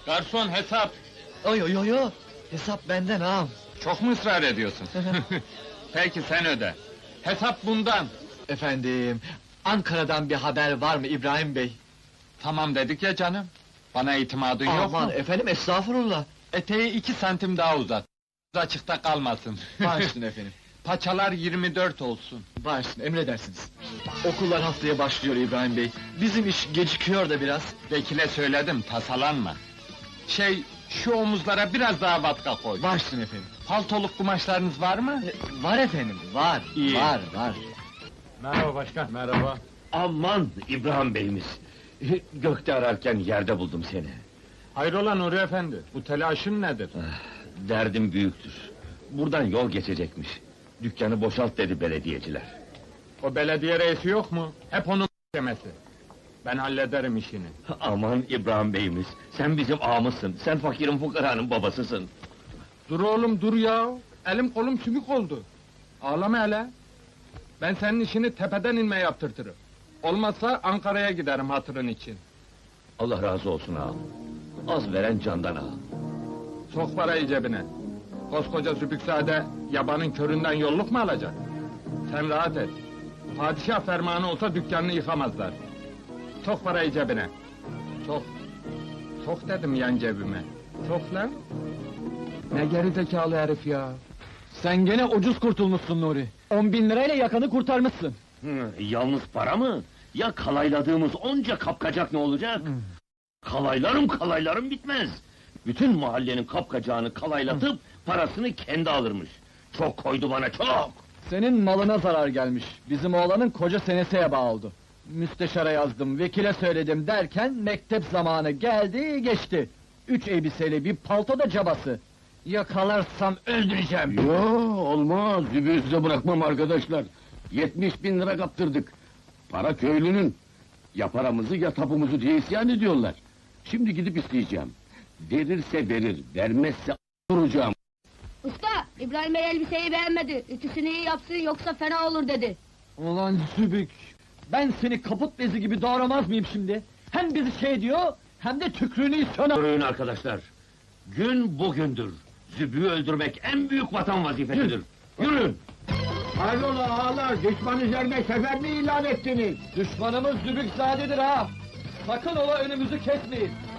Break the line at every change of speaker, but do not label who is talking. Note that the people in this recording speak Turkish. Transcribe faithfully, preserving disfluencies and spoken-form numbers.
Garson hesap!
Yo yo yo yo, hesap benden ağam.
Çok mu ısrar ediyorsun? Peki sen öde. Hesap bundan.
Efendim, Ankara'dan bir haber var mı İbrahim Bey?
Tamam dedik ya canım. Bana itimadın yok
Aman
mu?
efendim, estağfurullah.
Eteği iki santim daha uzat. Açıkta kalmasın.
Bağışlayın efendim.
Paçalar yirmi dört olsun.
Bağışlayın, emredersiniz. Okullar haftaya başlıyor İbrahim Bey. Bizim iş gecikiyor da biraz.
Vekile söyledim, tasalanma. Şey, şu omuzlara biraz daha vatka koy.
Bağışlayın efendim.
Paltoluk kumaşlarınız var mı?
E, var efendim, var.
İyi.
Var, var.
Merhaba başkan. Merhaba.
Aman İbrahim Bey'imiz! Gökte ararken yerde buldum seni.
Hayrola Nuri efendi, bu telaşın nedir?
Derdim büyüktür. Buradan yol geçecekmiş. Dükkanı boşalt dedi belediyeciler.
O belediye reisi yok mu? Hep onun demesi. Ben hallederim işini.
Aman İbrahim Bey'imiz! Sen bizim ağamızsın, sen fakirin fukaranın babasısın.
Dur oğlum dur ya! Elim kolum sümük oldu. Ağlama hele! Ben senin işini tepeden inme yaptırtırım. Olmazsa Ankara'ya giderim hatırın için.
Allah razı olsun ağam. Az veren candan ağam.
Sok parayı cebine. Koskoca Zübüksade, yabanın köründen yolluk mu alacak? Sen rahat et. Padişah fermanı olsa dükkanını yıkamazlar. Sok parayı cebine. Sok. Sok dedim yan cebime. Sok lan. Ne gerizekalı herif ya.
Sen gene ucuz kurtulmuşsun Nuri. On bin lirayla yakanı kurtarmışsın.
Hı, yalnız para mı? Ya kalayladığımız onca kapkacak ne olacak? Kalaylarım kalaylarım bitmez. Bütün mahallenin kapkacağını kalaylatıp parasını kendi alırmış. Çok koydu bana çok.
Senin malına zarar gelmiş. Bizim oğlanın koca senesi heba oldu. Müsteşara yazdım, vekile söyledim derken mektep zamanı geldi geçti. Üç elbiseli bir palto da cabası. Yakalarsam öldüreceğim.
Yo, olmaz, zübüğü size bırakmam arkadaşlar. Yetmiş bin lira kaptırdık. Para köylünün. Ya paramızı ya tapumuzu diye isyan ediyorlar. Şimdi gidip isteyeceğim. Verirse verir, vermezse duracağım.
Usta, İbrahim Bey elbiseyi beğenmedi. Ütüsünü iyi yapsın yoksa fena olur dedi.
Ulan Zübük! Ben seni kaput bezi gibi doğramaz mıyım şimdi? Hem bizi şey diyor, hem de tükrüğünü istiyor.
Yürüyün arkadaşlar. Gün bugündür. Zübüğü öldürmek en büyük vatan vazifesidir. Yürüyün!
Hayrola ağalar, düşman üzerine sefer mi ilan ettiniz?
Düşmanımız Zübükzade'dir ha! Sakın ola önümüzü kesmeyin!